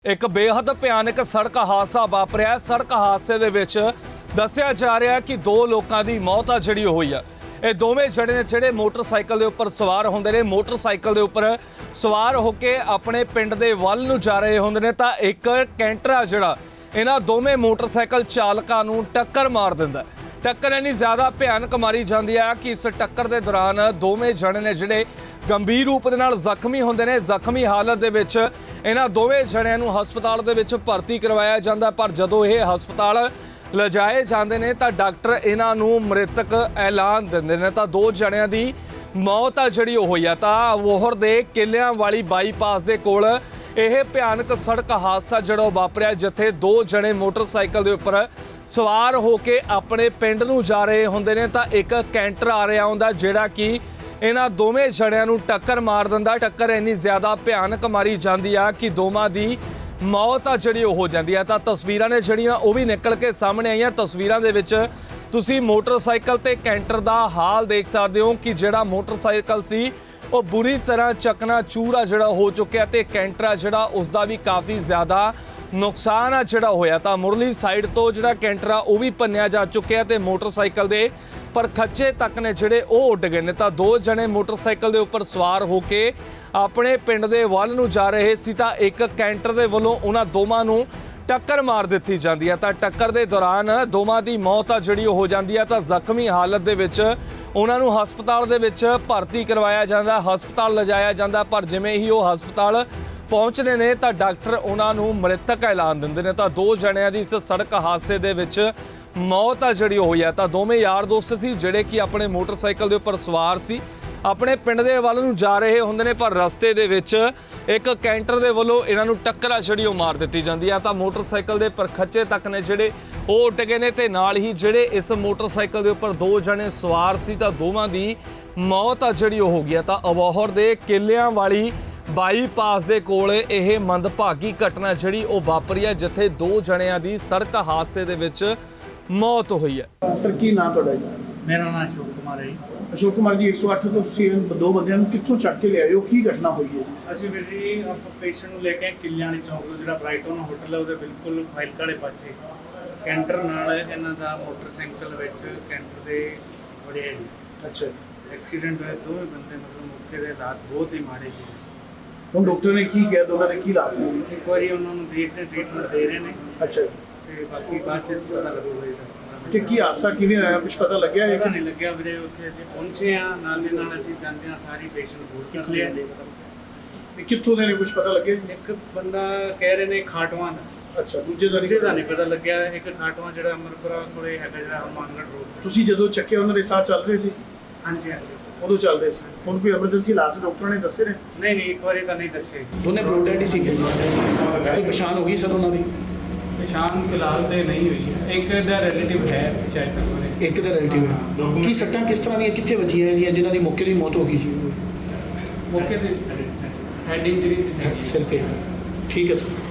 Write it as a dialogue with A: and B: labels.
A: ਇੱਕ ਬੇहद ਭਿਆਨਕ ਸੜਕ ਹਾਦਸਾ ਵਾਪਰਿਆ। ਸੜਕ ਹਾਦਸੇ ਦੇ ਵਿੱਚ ਦੱਸਿਆ ਜਾ ਰਿਹਾ ਕਿ ਦੋ ਲੋਕਾਂ ਦੀ ਮੌਤ ਆ ਜਿਹੜੀ ਹੋਈ ਆ। ਇਹ ਦੋਵੇਂ ਜਣੇ ਨੇ ਜਿਹੜੇ ਮੋਟਰਸਾਈਕਲ ਦੇ ਉੱਪਰ ਸਵਾਰ ਹੁੰਦੇ ਨੇ, ਮੋਟਰਸਾਈਕਲ ਦੇ ਉੱਪਰ ਸਵਾਰ ਹੋ ਕੇ ਆਪਣੇ ਪਿੰਡ ਦੇ ਵੱਲ ਨੂੰ ਜਾ ਰਹੇ ਹੁੰਦੇ ਨੇ ਤਾਂ ਇੱਕ ਕੈਂਟਰ ਆ ਜਿਹੜਾ ਇਹਨਾਂ ਦੋਵੇਂ ਮੋਟਰਸਾਈਕਲ ਚਾਲਕਾਂ ਨੂੰ ਟੱਕਰ ਮਾਰ ਦਿੰਦਾ। ਟੱਕਰ ਇੰਨੀ ਜ਼ਿਆਦਾ ਭਿਆਨਕ ਮਾਰੀ ਜਾਂਦੀ ਆ ਕਿ ਇਸ ਟੱਕਰ ਦੇ ਦੌਰਾਨ ਦੋਵੇਂ ਜਣੇ ਨੇ ਜਿਹੜੇ ਗੰਭੀਰ ਰੂਪ ਦੇ ਨਾਲ ਜ਼ਖਮੀ ਹੁੰਦੇ ਨੇ। ਜ਼ਖਮੀ ਹਾਲਤ ਦੇ ਵਿੱਚ ਇਹਨਾਂ ਦੋਵੇਂ ਜਣਿਆਂ ਨੂੰ ਹਸਪਤਾਲ ਦੇ ਵਿੱਚ ਭਰਤੀ ਕਰਵਾਇਆ ਜਾਂਦਾ, ਪਰ ਜਦੋਂ ਇਹ ਹਸਪਤਾਲ ਲਿਜਾਏ ਜਾਂਦੇ ਨੇ ਤਾਂ ਡਾਕਟਰ ਇਹਨਾਂ ਨੂੰ ਮ੍ਰਿਤਕ ਐਲਾਨ ਦਿੰਦੇ ਨੇ। ਤਾਂ ਦੋ ਜਣਿਆਂ ਦੀ ਮੌਤ ਆ ਜਿਹੜੀ ਉਹ ਹੋਈ ਆ। ਤਾਂ ਵੋਹਰ ਦੇ ਕਿੱਲਿਆਂ ਵਾਲੀ ਬਾਈਪਾਸ ਦੇ ਕੋਲ ਇਹ ਭਿਆਨਕ ਸੜਕ ਹਾਦਸਾ ਜਿਹੜਾ ਵਾਪਰਿਆ, ਜਿੱਥੇ ਦੋ ਜਣੇ ਮੋਟਰਸਾਈਕਲ ਦੇ ਉੱਪਰ ਸਵਾਰ ਹੋ ਕੇ ਆਪਣੇ ਪਿੰਡ ਨੂੰ ਜਾ ਰਹੇ ਹੁੰਦੇ ਨੇ ਤਾਂ ਇੱਕ ਕੈਂਟਰ ਆ ਰਿਹਾ ਹੁੰਦਾ ਜਿਹੜਾ ਕਿ ਇਹਨਾਂ ਦੋਵੇਂ ਜਣਿਆਂ ਨੂੰ ਟੱਕਰ ਮਾਰ ਦਿੰਦਾ। ਟੱਕਰ ਇੰਨੀ ਜ਼ਿਆਦਾ ਭਿਆਨਕ ਮਾਰੀ ਜਾਂਦੀ ਆ ਕਿ ਦੋਵਾਂ ਦੀ ਮੌਤ ਆ ਜਿਹੜੀ ਉਹ ਹੋ ਜਾਂਦੀ ਆ। ਤਾਂ ਤਸਵੀਰਾਂ ਨੇ ਜਿਹੜੀਆਂ ਉਹ ਵੀ ਨਿਕਲ ਕੇ ਸਾਹਮਣੇ ਆਈਆਂ। ਤਸਵੀਰਾਂ ਦੇ ਵਿੱਚ ਤੁਸੀਂ ਮੋਟਰਸਾਈਕਲ ਤੇ ਕੈਂਟਰ ਦਾ ਹਾਲ ਦੇਖ ਸਕਦੇ ਹੋ ਕਿ ਜਿਹੜਾ ਮੋਟਰਸਾਈਕਲ ਸੀ ਉਹ ਬੁਰੀ ਤਰ੍ਹਾਂ ਚਕਨਾਚੂਰ ਆ ਜਿਹੜਾ ਹੋ ਚੁੱਕਿਆ ਤੇ ਕੈਂਟਰ ਆ ਜਿਹੜਾ ਉਸ ਦਾ ਵੀ ਕਾਫੀ ਜ਼ਿਆਦਾ ਨੁਕਸਾਨ ਆ ਜਿਹੜਾ ਹੋਇਆ। ਤਾਂ ਮੁਰਲੀ ਸਾਈਡ ਤੋਂ ਜਿਹੜਾ ਕੈਂਟਰ ਆ ਉਹ ਵੀ ਭੰਨਿਆ ਜਾ ਚੁੱਕਿਆ ਤੇ ਮੋਟਰਸਾਈਕਲ ਦੇ ਪਰ ਖੱਚੇ ਤੱਕ ਨੇ ਜਿਹੜੇ ਉਹ ਉੱਡ ਗਏ ਨੇ। ਤਾਂ ਦੋ ਜਣੇ ਮੋਟਰਸਾਈਕਲ ਦੇ ਉੱਪਰ ਸਵਾਰ ਹੋ ਕੇ ਆਪਣੇ ਪਿੰਡ ਦੇ ਵੱਲ ਨੂੰ ਜਾ ਰਹੇ ਸੀ ਤਾਂ ਇੱਕ ਕੈਂਟਰ ਦੇ ਵੱਲੋਂ ਉਹਨਾਂ ਦੋਵਾਂ ਨੂੰ ਟੱਕਰ ਮਾਰ ਦਿੱਤੀ ਜਾਂਦੀ ਹੈ। ਤਾਂ ਟੱਕਰ ਦੇ ਦੌਰਾਨ ਦੋਵਾਂ ਦੀ ਮੌਤ ਆ ਜਿਹੜੀ ਹੋ ਜਾਂਦੀ ਹੈ। ਤਾਂ ਜ਼ਖਮੀ ਹਾਲਤ ਦੇ ਵਿੱਚ ਉਹਨਾਂ ਨੂੰ ਹਸਪਤਾਲ ਦੇ ਵਿੱਚ ਭਰਤੀ ਕਰਵਾਇਆ ਜਾਂਦਾ, ਹਸਪਤਾਲ ਲਿਜਾਇਆ ਜਾਂਦਾ, ਪਰ ਜਿਵੇਂ ਹੀ ਉਹ ਹਸਪਤਾਲ ਪਹੁੰਚਦੇ ਨੇ ਤਾਂ ਡਾਕਟਰ ਉਹਨਾਂ ਨੂੰ ਮ੍ਰਿਤਕ ਐਲਾਨ ਦਿੰਦੇ ਨੇ। ਤਾਂ ਦੋ ਜਣਿਆਂ ਦੀ ਇਸ ਸੜਕ ਹਾਦਸੇ ਦੇ ਵਿੱਚ ਮੌਤ ਆ ਜਿਹੜੀ ਹੋਈ ਹੈ। ਤਾਂ ਦੋਵੇਂ ਯਾਰ ਦੋਸਤ ਸੀ ਜਿਹੜੇ ਕਿ ਆਪਣੇ ਮੋਟਰਸਾਈਕਲ ਦੇ ਉੱਪਰ ਸਵਾਰ ਸੀ, ਆਪਣੇ ਪਿੰਡ ਦੇ ਵੱਲ ਨੂੰ ਜਾ ਰਹੇ ਹੁੰਦੇ ਨੇ, ਪਰ ਰਸਤੇ ਦੇ ਵਿੱਚ ਇੱਕ ਕੈਂਟਰ ਦੇ ਵੱਲੋਂ ਇਹਨਾਂ ਨੂੰ ਟੱਕਰ ਆ ਜਿਹੜੀ ਉਹ ਮਾਰ ਦਿੱਤੀ ਜਾਂਦੀ ਆ। ਤਾਂ ਮੋਟਰਸਾਈਕਲ ਦੇ ਪਰਖੱਚੇ ਤੱਕ ਨੇ ਜਿਹੜੇ ਉਹ ਉੱਡ ਗਏ ਨੇ ਤੇ ਨਾਲ ਹੀ ਜਿਹੜੇ ਇਸ ਮੋਟਰਸਾਈਕਲ ਦੇ ਉੱਪਰ ਦੋ ਜਣੇ ਸਵਾਰ ਸੀ ਤਾਂ ਦੋਵਾਂ ਦੀ ਮੌਤ ਆ ਜਿਹੜੀ ਉਹ ਹੋ ਗਈ। ਤਾਂ ਅਬੋਹਰ ਦੇ ਕਿੱਲਿਆਂ ਵਾਲੀ ਬਾਈਪਾਸ ਦੇ ਕੋਲ ਇਹ ਮੰਦਭਾਗੀ ਘਟਨਾ ਜਿਹੜੀ ਉਹ ਵਾਪਰੀ ਹੈ, ਜਿੱਥੇ ਦੋ ਜਣਿਆਂ ਦੀ ਸੜਕ ਹਾਦਸੇ ਦੇ ਵਿੱਚ ਮੌਤ ਹੋਈ ਹੈ।
B: ਸਰ ਕੀ ਨਾਮ ਤੁਹਾਡਾ ਜੀ?
C: ਮੇਰਾ ਨਾਮ ਅਸ਼ੋਕ ਕੁਮਾਰ ਹੈ ਜੀ।
B: ਅਸ਼ੋਕ ਕੁਮਾਰ ਜੀ, 108 ਤੋਂ ਤੁਸੀਂ ਦੋ ਬੰਦਿਆਂ ਨੂੰ ਕਿੱਥੋਂ ਚੱਕ ਕੇ ਲਿਆਏ ਹੋ? ਕੀ ਘਟਨਾ ਹੋਈ ਹੈ?
C: ਅਸੀਂ ਵੀਰ ਜੀ ਆਪਾਂ ਪੇਸ਼ੈਂਟ ਨੂੰ ਲੈ ਕੇ ਕਿੱਲਿਆਂ ਵਾਲੀ ਚੌਂਕ ਤੋਂ ਜਿਹੜਾ ਬ੍ਰਾਈਟਨ ਹੋਟਲ ਹੈ ਉਹਦੇ ਬਿਲਕੁਲ ਫਾਈਲ ਵਾਲੇ ਪਾਸੇ ਕੈਂਟਰ ਨਾਲ ਇਹਨਾਂ ਦਾ ਮੋਟਰਸਾਈਕਲ ਵਿੱਚ ਕੈਂਟਰ ਦੇ ਵੜਿਆ ਜੀ।
B: ਅੱਛਾ,
C: ਐਕਸੀਡੈਂਟ ਹੋਇਆ, ਦੋਵੇਂ ਬੰਦੇ ਮਤਲਬ ਮੌਕੇ ਦੇ ਹਾਲਾਤ ਬਹੁਤ ਹੀ ਮਾੜੇ ਸੀ।
B: ਹੁਣ ਡਾਕਟਰ ਨੇ ਕੀ ਕਿਹਾ? ਉਹਨਾਂ ਨੇ ਕੀ ਇਲਾਜ ਨੇ?
C: ਇੱਕ ਵਾਰੀ ਉਹਨਾਂ ਨੂੰ ਦੇਖਦੇ ਟ੍ਰੀਟਮੈਂਟ ਦੇ ਰਹੇ ਨੇ
B: ਅੱਛਾ,
C: ਤੇ ਬਾਕੀ ਬਾਅਦ ਚ ਪਤਾ ਲੱਗੂਗਾ ਜੀ।
B: ਕਿ ਕੀ ਹਾਦਸਾ ਕਿਵੇਂ ਹੋਇਆ? ਕੁਝ ਪਤਾ ਲੱਗਿਆ ਹੈ?
C: ਪਤਾ ਨਹੀਂ ਲੱਗਿਆ ਵੀਰੇ। ਉੱਥੇ ਅਸੀਂ ਪਹੁੰਚੇ ਆ, ਨਾਲ ਦੇ ਨਾਲ ਅਸੀਂ ਜਾਂਦੇ ਹਾਂ ਸਾਰੀ ਪੇਸ਼ੈਂਟ ਭੋਰ ਕਰ ਲਿਆ।
B: ਤੇ ਕਿੱਥੋਂ ਦੇ ਨੇ? ਕੁਝ ਪਤਾ ਲੱਗਿਆ?
C: ਇੱਕ ਬੰਦਾ ਕਹਿ ਰਹੇ ਨੇ ਖਾਟਵਾਂ ਦਾ।
B: ਅੱਛਾ, ਦੂਜੇ ਦਾ
C: ਨਹੀਂ ਪਤਾ ਲੱਗਿਆ। ਇੱਕ ਖਾਟਵਾਂ ਜਿਹੜਾ ਅਮਰਪੁਰਾ ਕੋਲੇ ਹੈਗਾ, ਜਿਹੜਾ ਹਨੂੰਮਾਨਗੜ੍ਹ ਰੋਡ।
B: ਤੁਸੀਂ ਜਦੋਂ ਚੱਕਿਆ ਉਹਨਾਂ ਦੇ ਸਾਹ ਚੱਲ ਰਹੇ ਸੀ?
C: ਹਾਂਜੀ ਹਾਂਜੀ,
B: ਉਦੋਂ ਚੱਲ ਰਹੇ ਸੀ। ਹੁਣ ਕੋਈ ਐਮਰਜੈਂਸੀ ਹਾਲਾਤ ਡਾਕਟਰਾਂ ਨੇ ਦੱਸੇ ਨੇ?
C: ਨਹੀਂ ਇੱਕ ਵਾਰੀ ਤਾਂ ਨਹੀਂ ਦੱਸੇ।
D: ਦੋਨੇ ਬਲੱਡ ਡੈਡ ਹੀ ਸੀਗੇ। ਕੋਈ ਪਛਾਣ ਹੋ ਗਈ ਸਰ ਉਹਨਾਂ ਦੀ?
E: ਪਛਾਣ ਫਿਲਹਾਲ ਤੇ ਨਹੀਂ ਹੋਈ। ਇੱਕ ਦਾ ਰਿਲੇਟਿਵ ਹੈ ਸ਼ਾਇਦ ਤੱਕ।
D: ਇੱਕ ਦਾ ਰਿਲੇਟਿਵ ਹੈ। ਕੀ ਸੱਟਾਂ ਕਿਸ ਤਰ੍ਹਾਂ ਦੀਆਂ ਕਿੱਥੇ ਵੱਜੀਆਂ ਹੈ ਜੀ ਜਿਨ੍ਹਾਂ ਦੀ ਮੌਕੇ ਦੀ ਮੌਤ ਹੋ ਗਈ ਜੀ?
E: ਮੌਕੇ ਤੇ ਹੈਡ ਇੰਜਰੀ ਸੀ।
D: ਸਿਰ ਤੇ। ਠੀਕ ਹੈ ਸਰ।